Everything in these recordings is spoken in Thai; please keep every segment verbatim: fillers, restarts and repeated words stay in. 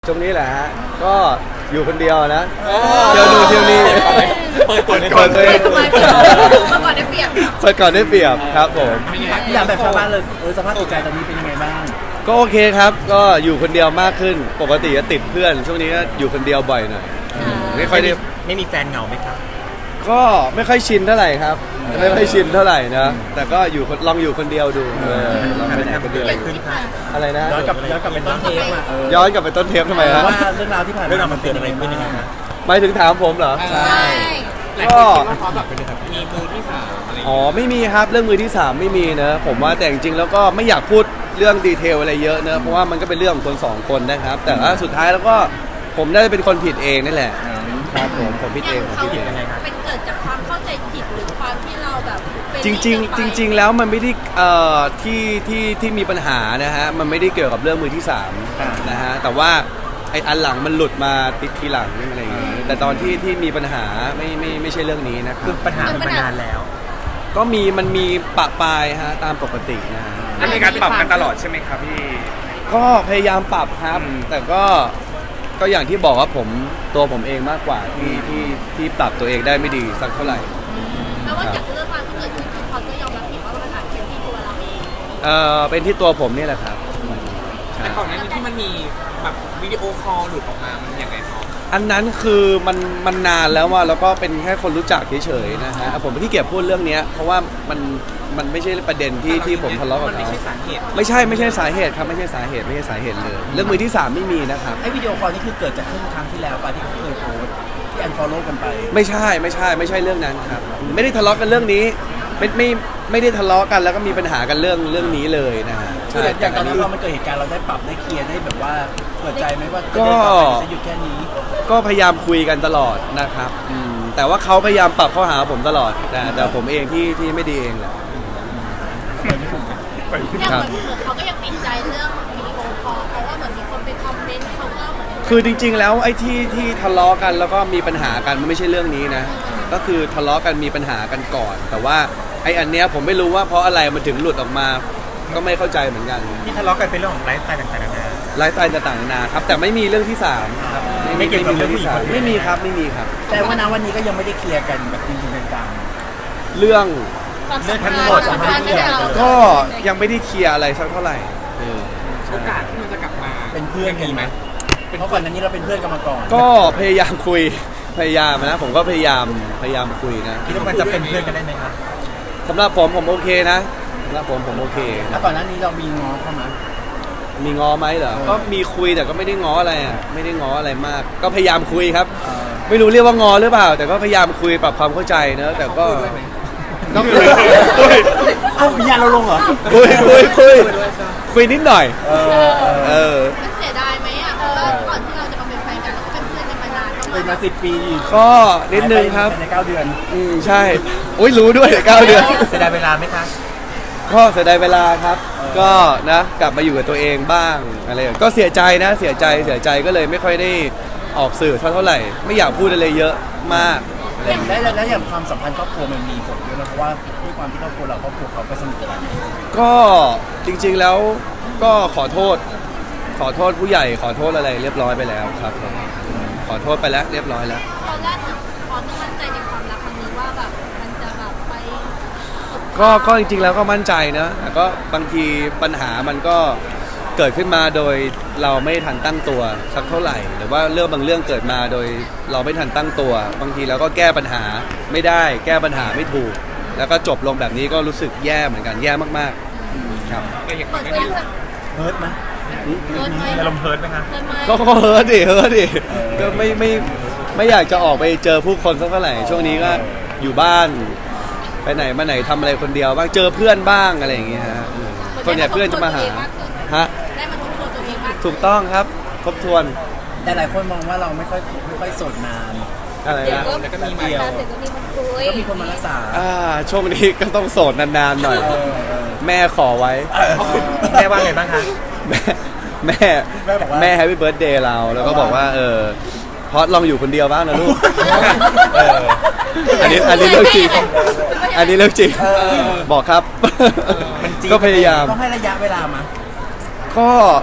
ช่วงนี้แหละฮะก็อยู่คนเดียวนะเที่ยวนู่นเที่ยวนี่เปิดก่อนเปิดตัวเองเมื่อก่อนได้เปรียบเปิดก่อนได้เปรียบครับผมอยากแบบชาวบ้านเลยเออสภาพจิตใจตอนนี้เป็นยังไงบ้างก็โอเคครับก็อยู่คนเดียวมากขึ้นปกติจะติดเพื่อนช่วงนี้ก็อยู่คนเดียวบ่อยหน่อยไม่ค่อยได้ไม่มีแฟนเหงาไหมครับก็ไม่ค่อยชินเท่าไหร่ครับไม่ค่อยชินเท่าไหร่นะแต่ก็อยู่ลองอยู่คนเดียวดูเออลองไปไหนคนเดียวอะไรนะย้อนกลับย้อนกลับเป็นต้นเทปมาเออย้อนกลับไปต้นเทปทำไมครับว่าเรื่องราวที่ผ่านเรื่องมาราวมันเป็นอะไรขึ้นยังไงครับหมายถึงถามผมเหรอใช่ก็พร้อมแบบเป็นแบบมีมือที่สามอะไรอ๋อไม่มีครับเรื่องมือที่สามไม่มีนะผมว่าแต่จริงๆแล้วก็ไม่อยากพูดเรื่องดีเทลอะไรเยอะนะเพราะว่ามันก็เป็นเรื่องของคนสองคนนะครับแต่ว่าสุดท้ายแล้วก็ผมได้เป็นคนผิดเองนั่นแหละครับผมผมผิดเองผมเขาผิดเองเป็นเกิดจากความเข้าใจผิดหรือความที่เราแบบจริงๆจริง ๆ แล้วมันไม่ได้เอ่อที่ที่ที่มีปัญหานะฮะมันไม่ได้เกี่ยวกับเรื่องมือที่สามนะฮะแต่ว่าไอ้อันหลังมันหลุดมาติดทีหลังอะไรอย่างเงี้ยแต่ตอนที่ที่มีปัญหาไม่ไม่ไม่ใช่เรื่องนี้นะครัคือบ ปัญหามันมานานแล้วก็มีมันมีปะปายฮะตามปกตินะฮะมันมีการปรับกันตลอดใช่ไหมครับพี่ก็พยายามปรับครับอืมแต่ก็ก็อย่างที่บอกว่าผมตัวผมเองมากกว่าที่ที่ที่ปรับตัวเองได้ไม่ดีสักเท่าไหร่แม้ว่าจากเรื่องราวที่เกิดขึ้นคือเขาก็ยอมรับผิดว่าปัญหาเป็นที่ตัวเราเองเอ่อเป็นที่ตัวผมนี่แหละครับใช่แต่ก่อนหน้านี้ที่มันมีแบบวิดีโอคอลหลุดออกมามันยังไงพออันนั้นคือมันมันนานแล้วว่าแล้วก็เป็นแค่คนรู้จักเฉยๆนะฮะผมไม่ที่เก็บพูดเรื่องเนี้ยเพราะว่ามันมันไม่ใช่ประเด็นที่ที่ผมทะเลาะกับมันไม่เขาใช่สาเหตุไม่ใช่ไม่ใช่สาเหตุครับไม่ใช่สาเหตุไม่ใช่สาเหตุเลยเรื่องมือที่สามไม่มีนะครับไอ้วิดีโอคอลนี่คือเกิดจากครึ่งครั้งที่แล้วป่ะที่เขาเคยโพสต์ที่อันฟอลโล่กันไปไม่ใช่ไม่ใช่ไม่ใช่เรื่องนั้นครับไม่ได้ทะเลาะกันเรื่องนี้ไม่ไม่ไม่ได้ทะเลาะกันแล้วก็มีปัญหากันเรื่องเรื่องนี้เลยนะฮะคือใช่อย่างตอนนั้นเรามันเกิดเหตุการณ์เราได้ปรับได้เคลียร์ได้แบบว่าเปิดใจไหมว่าจะก็จะหยุดแค่นี้ก็พยายามคุยกันตลอดนะครับอืมแต่ว่าเขาพยายามปรับเข้าหาผมตลอดแต่แต่ผมเองที่ที่ไม่ดีเองแหละเนี่ยเหมือนเหมือนเขาก็ยังติดใจเรื่องวิดีโอคอลเพราะว่าเหมือนมีคนไปคอมเมนต์เขาก็เหมือนคือจริงๆแล้วไอ้ที่ที่ทะเลาะกันแล้วก็มีปัญหากันมันไม่ใช่เรื่องนี้นะก็คือทะเลาะกันมีปัญหากันก่อน แต่ว่าไอ้อันเนี้ยผมไม่รู้ว่าเพราะอะไรมันถึงหลุดออกมา ก็ไม่เข้าใจเหมือนกันที่ทะเลาะกันเป็นเรื่องของไลฟ์สไตล์ต่างๆนานาไลฟ์สไตล์ต่างๆนานาครับแต่ไม่มีเรื่องที่สามครับไม่เกี่ยวกับเรื่องผู้หญิงสามไม่มีครับไม่มีครับแต่ว่าณวันนี้ก็ยังไม่ได้เคลียร์กันแบบจริงๆจังเรื่องความสัมพันธ์ความสัมพันธ์ที่เราก็ยังไม่ได้เคลียร์อะไรสักเท่าไหร่เออโอกาสที่มันจะกลับมาๆเป็นเพื่อนกันมีไหไหมมเพราะก่อนหน้านี้เราเป็นเพื่อนกันมาก่อนก็พยายามคุยพยายามนะผมก็พยายามพยายามคุยนะคิดว่ามันจะเป็นเพื่อนกันได้ไหมครับสำหรับผมผมโอเคนะสำหรับผมผมโอเคแล้นะวก่อนหน้านี้เรามีง้อเข้ามามีง้อไหมเหรอก็มีคุยแต่ก็ไม่ได้ง้ออะไรอ่ะไม่ได้ง้ออะไรมาก ก็พยายามคุยครับเอ่อไม่รู้เรียกว่างอหรือเปล่า แต่ก็พยายามคุยปรับความเข้าใจเนอะแต่ก็ก็คุยคุยเอ้าวิญญาณเราลงเหรอคุยคุยคุยคุยนิดหน่อยเออเออเออมันเสียดายไหมอ่ะเพราะว่าก่อนที่เราจะมาเป็นแฟนกันเราก็เป็นเพื่อนกันมานานเป็นมาสิบปีก็นิดนึงครับหายไปในเก้าเดือนอืมใช่อุ้ยรู้ด้วยเก้าเดือนเสียดายเวลาไหมคะก็เสียดายเวลาครับ ก็นะกลับมาอยู่กับตัวเองบ้างอะไรอย่างก็เสียใจนะเสียใจเสียใจก็เลยไม่ค่อยได้ออกสื่อเท่าไหร่ ไม่อยากพูดอะไรเยอะมากแล้วแล้วแล้วอย่างความสัมพันธ์ครอบครัวมันมีผลด้วยนะเพราะว่าด้วยความที่ครอบครัวเราครอบครัวเขาก็สนิทกันก็จริงๆแล้วก็ขอโทษ ขอโทษผู้ใหญ่ขอโทษอะไรเรียบร้อยไปแล้วครับผมขอโทษไปแล้วเรียบร้อยแล้วตอนแรกเนี่ยพอต้องมั่นใจในความรักครั้งนี้ว่าแบบมันจะแบบไปก็ก็จริงๆแล้วก็มั่นใจนะแต่ก็บางทีปัญหามันก็เกิดขึ้นมาโดยเราไม่ทันตั้งตัวสักเท่าไหร่ หรือว่าเรื่องบางเรื่องเกิดมาโดยเราไม่ทันตั้งตัว บางทีเราก็แก้ปัญหาไม่ได้ แก้ปัญหาไม่ถูก แล้วก็จบลงแบบนี้ก็รู้สึกแย่เหมือนกันแย่มากๆครับก็อย่างเปิดนั้เผนยเฮิร์ตไหมเปิดไหมอารมณ์เฮิร์ตไหมคะเปิดไหมก็ก็เฮิร์ตดิเฮิร์ตดิก็ไม่ไม่ไม่อยากจะออกไปเจอผู้คนสักเท่าไหร่ช่วงนี้ก็อยู่บ้านไปไหนมาไหนทำอะไรคนเดียวบ้างเจอเพื่อนบ้างอะไรอย่างเงี้ยฮะอืมส่วนใหญ่เพื่อนจะมาหาฮะได้มาทบทวนตัวเองมากขึ้นถูกต้องครับทบทวนแต่หลายคนมองว่าเราไม่ค่อยไม่ค่อยโสดนานอะไรเดี๋ยวนะก็แล้วก็มีใหม่เดียวเดี๋ยวก็มีคนคุยก็มีคนมารักษาอ่าช่วงนี้ก็ต้องโสดนานๆหน่อยเออเออแม่ขอไว้แม่ว่าไงบ้างคะแม่แม่แม่แฮปปี้เบิร์ดเดย์เราแล้วก็บอกว่าเออเพราะลองอยู่คนเดียวบ้างนะลูกเอออันนี้อันนี้เรื่องจริงอันนี้เรื่องจริงบอกครับก็พยายามต้องให้ระยะเวลามาก็จ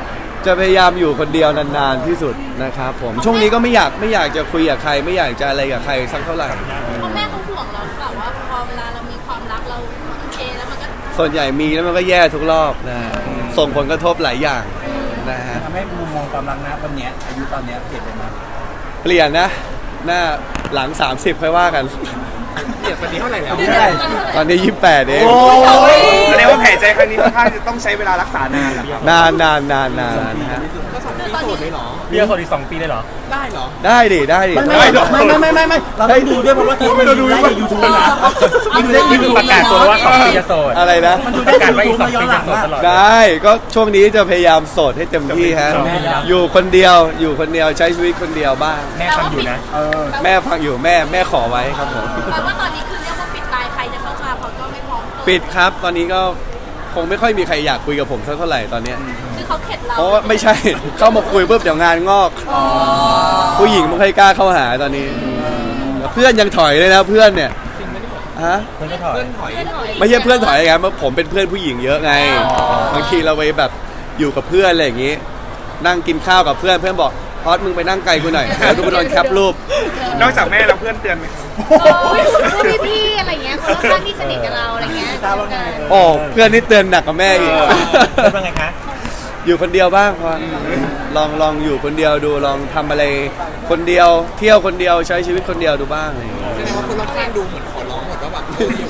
จะพยายามอยู่คนเดียวนานๆที่สุดนะครับผมช่วงนี้ก็ไม่อยากไม่อยากจะคุยกับใคร ไม่อยากจะอะไรกับใครสักเท่าไหร่เพราะแม่เขาห่วงเราหรือเปล่าว่าพอเวลาเรามีความรักเราโอเคแล้วมันก็ส่วนใหญ่มีแล้วมันก็แย่ทุกรอบนะส่งผลกระทบหลายอย่างนะฮะทำให้มุมมองความรักนะวันเนี้ยอายุตอนเนี้ยเปลี่ยนไปไหมเปลี่ยนนะ หน้าหลัง สามสิบค่อยว่ากันเดี๋ยวตอนนี้เท่าไหร่แล้วเดือนละตอนนี้ยี่สิบแปดเองแสดงว่าแผลใจครั้งนี้ค่อนข้างจะต้องใช้เวลารักษานานเหรอนานนานนานนานนะฮะก็สองปีโสดเลยเหรอเบี้ยคนอีกสองปีเลยเหรอได้เหรอได้ดิได้ดิไม่ไม่ไม่ไม่ไม่ไม่เราต้องดูด้วยเพราะว่าเทปมันดูได้ในยูทูบนะมันดูได้นี่คือประกาศตัวว่าสองปีจะโสดอะไรนะมันดูปได้ระกาศในว่ายูอีกทูสบองมาย้อปีนหลังจะโสดว่าตลอดได้ก็ช่วงนี้จะพยายามโสดให้เต็มที่ฮะแม่ครับอยู่คนเดียวอยู่คนเดียวใช้ชีวิตคนเดียวบ้างแม่ฟังอยู่นะเออแม่ฟังอยู่แม่แม่ขอไว้ครับผมแปลว่าตอนนี้คือเรียกว่าปิดตายใครจะเข้ามาเขาก็ไม่พร้อมเปิปิดครับตอนนี้ก็คงไม่ค่อยมีใครอยากคุยกับผมสักเท่าไหร่ตอนเนี้ยคือเขาเข็ดเราเพราะว่าไม่ใช่ เข้ามาคุยปุ๊บเดี๋ยวงานงอก ผู้หญิงไม่ค่อยกล้าเข้าหาตอนนี้เพื่อนยังถอยเลยนะเพื่อนเนี่ยฮะเพื่อนก็ถอยเพื่อนถอยไม่ใช่เพื่อนถอยไงเพราะผมเป็นเพื่อนผู้หญิงเยอะไงบางทีเราไปแบบอยู่กับเพื่อนอะไรอย่างงี้ นั่งกินข้าวกับเพื่อนเพื่อนบอกพอดมึงไปนั่งไกลกูหน่อยเดี๋ยวกูไปโดนแคปรูปนอกจากแม่แล้วเพื่อนเตือนไหมพูดพี่ๆอะไรเงี้ยคนรอบข้างที่สนิทกับเราอะไรเงี้ยตาว่าไงโอ้เพื่อนนี่เตือนหนักกว่าแม่อีกเพื่อนว่าไงคะอยู่คนเดียวบ้างพอลองลองอยู่คนเดียวดูลองทำอะไรคนเดียวเที่ยวคนเดียวใช้ชีวิตคนเดียวดูบ้างอะไรอย่างเงี้ยแสดงว่าคนรอบข้างดูเหมือนขอร้องหมดว่าแบบ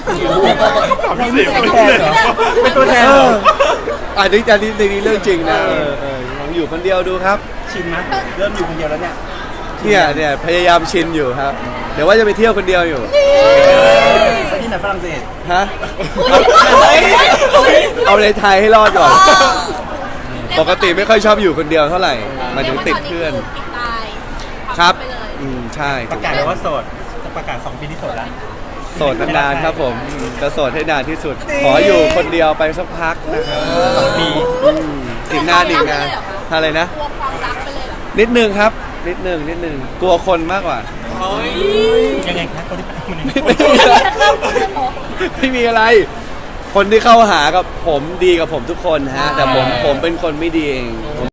เป็นตัวแทนเหรอเป็นตัวแทนเอเหรอออันนี้อันนี้ในนี้เรื่องจริงนะเออเออลองอยู่คนเดียวดูครับชินไหมเริ่มอยู่คนเดียวแล้วเนี่ยเนี่ยเนี่ยพยายามชินอยู่ครับ เดี๋ยวว่าจะไปเที่ยวคนเดียวอยู่ไปที่ไหนฝรั่งเศสฮะเอาในไทยให้รอดก่อน ปกติไม่ค่อยชอบอยู่คนเดียวเท่าไหร่หมายถึงติดเพื่อนปิดตายครับไปเลยอืมใช่ประกาศเลยว่าโสดจะประกาศสองปีที่โสดแล้วโสดนานๆครับผมจะโสดให้นานที่สุด ขออยู่คนเดียวไปสักพักนะครับสองปีอืมอีกนานอีกนานอะไรนะกลัวความรักไปเลยเหรอนิดนึงครับ นิดนึงนิดนึงกลัวคนมากกว่าเฮ้ยยังไงคะคนที่มันยังไงไม่มีอะไร คนที่เข้าหากับผมดีกับผมทุกคนฮะ แต่ผมผมเป็นคนไม่ดีเอง